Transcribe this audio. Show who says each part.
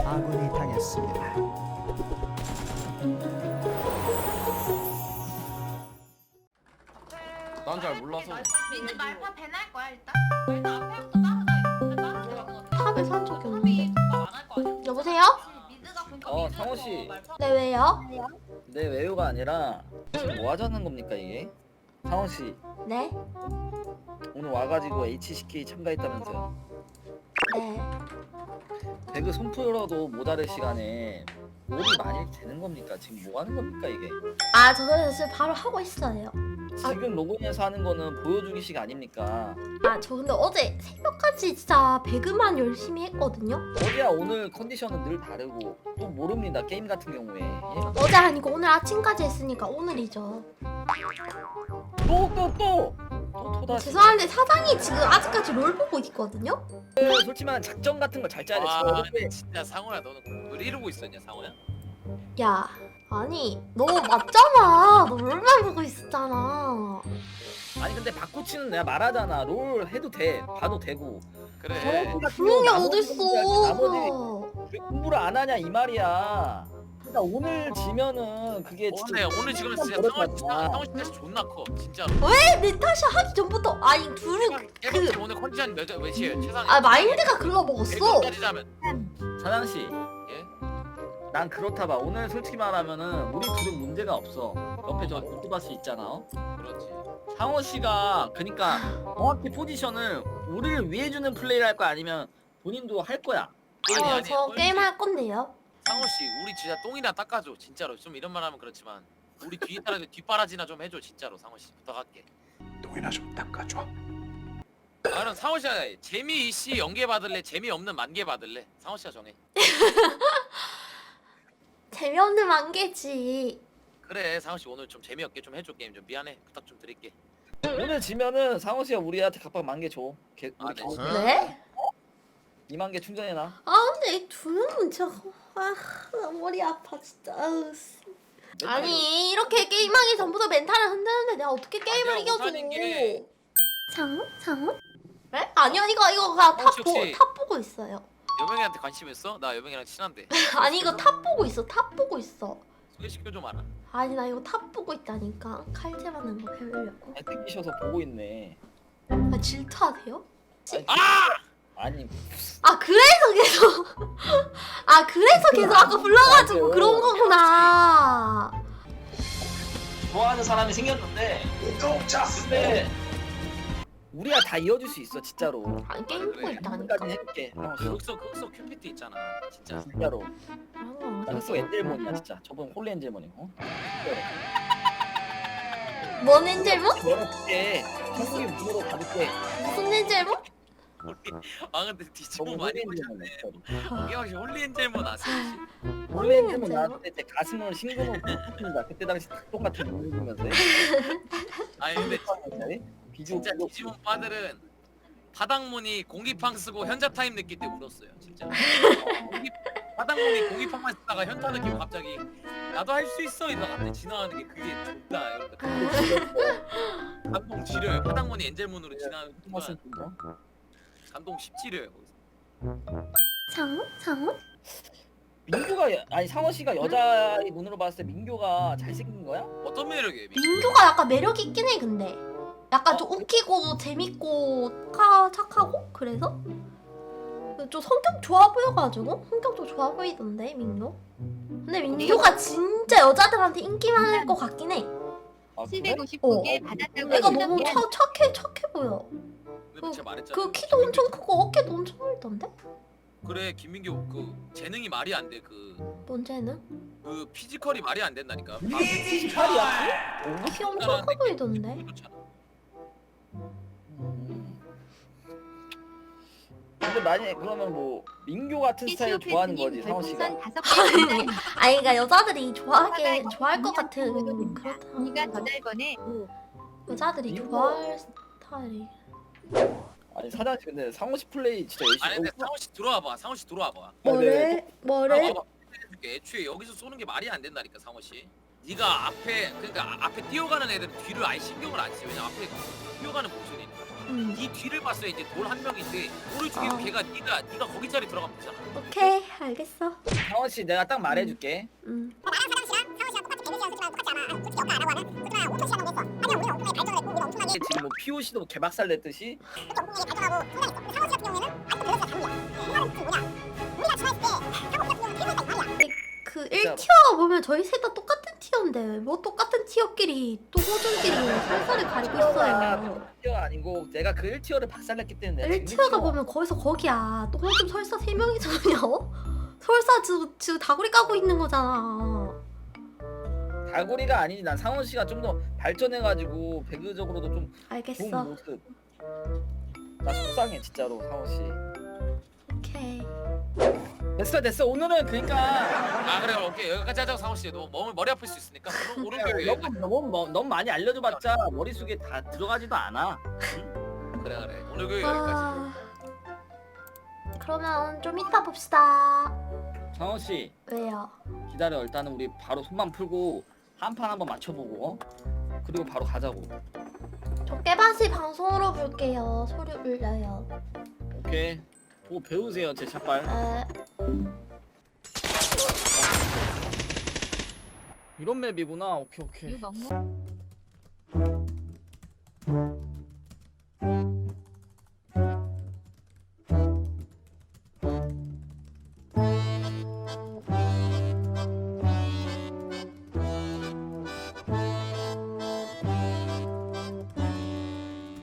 Speaker 1: 아군이 당했습니다.
Speaker 2: 난 잘 몰라서.
Speaker 3: 민트 말파 배날 거야 일단. 일단 앞에부터 따라다. 따라다.
Speaker 4: 탑에 산 적이 없는데.
Speaker 3: 안할 거 아니야.
Speaker 4: 여보세요?
Speaker 3: 미드가 보니까
Speaker 2: 상호 씨.
Speaker 4: 네 왜요?
Speaker 2: 내 외우가 아니라 지금 뭐 하자는 겁니까 이게? 상호 씨
Speaker 4: 네?
Speaker 2: 오늘 와가지고 HCK 참가했다면서요?
Speaker 4: 네.
Speaker 2: 배그 손 풀어도 모자랄 시간에 롤이 많이 되는 겁니까? 지금 뭐 하는 겁니까 이게?
Speaker 4: 아 저 그래서 지금 바로 하고 있어요.
Speaker 2: 지금 로그인해서 하는 거는 보여주기식 아닙니까?
Speaker 4: 아 저 근데 어제 새벽까지 진짜 배그만 열심히 했거든요.
Speaker 2: 어제야 오늘 컨디션은 늘 다르고 또 모릅니다 게임 같은 경우에. 예?
Speaker 4: 어제 아니고 오늘 아침까지 했으니까 오늘이죠.
Speaker 2: 또 토다시.
Speaker 4: 죄송한데 사장이 지금 아직까지 롤 보고 있거든요.
Speaker 2: 솔직히 말하면 작전 같은 거 잘 짜야 돼.
Speaker 5: 와
Speaker 2: 지금 어제
Speaker 5: 진짜 상호야 너는 뭘 이러고 있었냐 상호야?
Speaker 4: 야 아니 너 맞잖아. 너 롤만 보고 있었잖아.
Speaker 2: 아니 근데 바꾸치는 내가 말하잖아. 롤 해도 돼. 봐도 되고.
Speaker 5: 그래
Speaker 4: 그런 게
Speaker 2: 나머지
Speaker 4: 어딨어.
Speaker 2: 왜 공부를 안 하냐 이 말이야. 그러니까 오늘 지면은 그게
Speaker 5: 오늘 지금 진짜 상호 진짜 존나 커 진짜로.
Speaker 4: 왜 내 탓이 하기 전부터 아니 둘은
Speaker 5: 깨박지 오늘 컨디션 몇이에요 최상위?
Speaker 4: 아 마인드가 글러먹었어.
Speaker 5: 따지자면
Speaker 2: 사장 씨.
Speaker 5: 예?
Speaker 2: 난 그렇다 봐. 오늘 솔직히 말하면은 우리 둘은 문제가 없어. 옆에 저 오토바스 있잖아.
Speaker 5: 그렇지.
Speaker 2: 상호 씨가 그러니까 정확히 포지션을 우리를 위해 주는 플레이를 할 거야 아니면 본인도 할 거야.
Speaker 4: 저 게임 할 건데요.
Speaker 5: 상호 씨 우리 진짜 똥이나 닦아줘 진짜로. 좀 이런 말하면 그렇지만 우리 뒤에 따라서 뒷바라지나 좀 해줘 진짜로 상호 씨 부탁할게.
Speaker 1: 똥이나 좀 닦아줘.
Speaker 5: 아 그럼 상호 씨가 재미있이 연계 받을래 재미없는 만개 받을래? 상호 씨가 정해.
Speaker 4: 재미없는 만개지.
Speaker 5: 그래 상호 씨 오늘 좀 재미없게 좀 해줘 게임 좀 미안해 부탁 좀 드릴게.
Speaker 2: 오늘 지면은 상호 씨가 우리한테 각각 10,000개 줘.
Speaker 5: 아, 네.
Speaker 4: 네?
Speaker 2: 20,000개 충전해놔.
Speaker 4: 아 근데 이 둘은 진짜 나 머리 아파 진짜. 아우, 씨. 아니 이렇게 게임하기 전부터 멘탈을 흔드는데 내가 어떻게 게임을
Speaker 5: 내가
Speaker 4: 이겨줘?
Speaker 5: 못하는 게-
Speaker 4: 장훈? 네? 아니요 이거 그냥 탑,
Speaker 5: 혹시-
Speaker 4: 탑 보고 있어요.
Speaker 5: 여명이한테 관심 있어? 나 여명이랑 친한데.
Speaker 4: 아니 이거 탑 보고 있어. 탑 보고 있어.
Speaker 5: 소개시켜 좀 알아.
Speaker 4: 아니 나 이거 탑 보고 있다니까. 칼질 하는 거 배우려고.
Speaker 2: 뜯기셔서 보고 있네.
Speaker 4: 아 질투하세요?
Speaker 2: 아니
Speaker 4: 아 그래서 계속 아 그래서 계속 아까 불러가지고 그런 거구나.
Speaker 2: 좋아하는 사람이 생겼는데 근데 우리가 다 이어줄 수 있어 진짜로.
Speaker 4: 아니 게임 보고 있다니까.
Speaker 2: 까지 해볼게. 상호 씨.
Speaker 5: 흑석 큐피트 있잖아. 진짜.
Speaker 2: 진짜로.
Speaker 4: 그런 거
Speaker 2: 나 흑석 엔젤몬이야 진짜. 저번 홀리 엔젤몬이고.
Speaker 4: 뭔 엔젤몬?
Speaker 2: 열어줄게. 한국인 문으로 가볼게.
Speaker 4: 무슨 엔젤몬?
Speaker 5: 아 근데 뒤집어
Speaker 2: 저번
Speaker 5: 많이
Speaker 2: 홀리
Speaker 5: 보셨네.
Speaker 2: 엔젤몬.
Speaker 5: 이게 혹시 홀리엔젤몬 아세요? 혹시?
Speaker 2: 홀리 엔젤몬 나왔을 때 가슴을 싱그러워 붙는다. 그때 당시 똑같은 눈을 보면서.
Speaker 5: 아니 근데
Speaker 2: 비주얼
Speaker 5: 진짜 뒤집은 빠들은 바닥문이 공기팡 쓰고 현자 타임 느낄 때 울었어요 진짜. 바닥문이 공기팡만 쓰다가 현자 느끼고 갑자기 나도 할 수 있어 이러다가 갑자기 지나가는 게 그게 좋다 이러니까 감동 지려요. 바닥문이 엔젤문으로 지나가는 순간 감동 10지려요 거기서.
Speaker 4: 장훈?
Speaker 2: 민규가 아니 상원 씨가 여자의 눈으로 봤을 때 민규가 잘생긴 거야?
Speaker 5: 어떤 매력이에요?
Speaker 4: 민규가 약간 매력 있긴 해 근데. 약간 좀 웃기고 재밌고 착하고 그래서 좀 성격 좋아 보여가지고 성격도 좋아 보이던데 민규. 근데 민규가 진짜 여자들한테 인기 많을 것 같긴 해.
Speaker 2: 아, 그래?
Speaker 6: 759개 받았다고
Speaker 4: 내가 너무
Speaker 6: 하셨는데
Speaker 4: 착해 보여.
Speaker 5: 근데 제가 말했잖아.
Speaker 4: 그 키도 엄청 크고 어깨도 엄청 넓던데?
Speaker 5: 그래 김민규 그 재능이 말이 안 돼. 그
Speaker 4: 뭔지는?
Speaker 5: 피지컬이 말이 안 된다니까.
Speaker 2: 피지컬이야?
Speaker 4: 키 엄청 커 보이던데?
Speaker 5: 그렇잖아.
Speaker 2: 근데 만약에 그러면 뭐 민규 같은 스타일 좋아하는 거지 상원 씨가.
Speaker 6: 별풍선 5개
Speaker 4: 아니 그러니까 여자들이 좋아할 것 같은 그렇다.
Speaker 6: 언니가 더 날 거네.
Speaker 4: 여자들이 좋아할 스타일이.
Speaker 2: 아니 사장 씨 근데 상원 씨 플레이 진짜 열심히.
Speaker 5: 아니 근데 상호 씨 들어와봐. 상호 씨 들어와봐.
Speaker 4: 뭐래?
Speaker 5: 봐봐. 애초에 여기서 쏘는 게 말이 안 된다니까 상호 씨. 네가 앞에 그러니까 앞에 뛰어가는 애들 뒤를 아예 신경을 안 써. 왜냐 앞에 뛰어가는 모션이니까. 네 뒤를 봤어야 이제 돌 한 명인데 돌을 죽이고 걔가 네가 거기 자리 들어가면 되잖아.
Speaker 4: 오케이 알겠어.
Speaker 2: 상원 씨 내가 딱 말해줄게. 지금 뭐 POC도 개박살 냈듯이
Speaker 4: 그 1티어가 보면 저희 셋 다 똑같은 티어인데 뭐 똑같은 티어끼리 또 호준끼리 살살을 가리고 있어요.
Speaker 2: 1티어 아니고 내가 그 1티어를 박살냈기 때문에 내가
Speaker 4: 1티어가 보면 거기서 거기야. 또 호준 설사 3명이잖아요. 설사 지금 다구리 까고 있는 거잖아.
Speaker 2: 다구리가 아니지. 난 상원 씨가 좀 더 발전해가지고 배그적으로도 좀 좋은
Speaker 4: 알겠어.
Speaker 2: 모습. 나 속상해 진짜로 상원 씨.
Speaker 4: 오케이.
Speaker 2: 됐어. 오늘은 그러니까
Speaker 5: 아 그래 오케이 여기까지 하자고 상호 씨. 너 머리 아플 수 있으니까 오른쪽 여기까지.
Speaker 2: 너무 많이 알려줘봤자 머릿속에 다 들어가지도 않아.
Speaker 5: 그래 오늘 교육 여기까지.
Speaker 4: 아... 그러면 좀 이따 봅시다.
Speaker 2: 상원 씨
Speaker 4: 왜요?
Speaker 2: 기다려. 일단은 우리 바로 손만 풀고 한 판 한번 맞춰보고 그리고 바로 가자고.
Speaker 4: 저 깨바시 방송으로 볼게요. 소리 울려요.
Speaker 2: 오케이. 보고 배우세요 제 샷발. 이런 맵이구나. 오케이.
Speaker 6: 유 먹무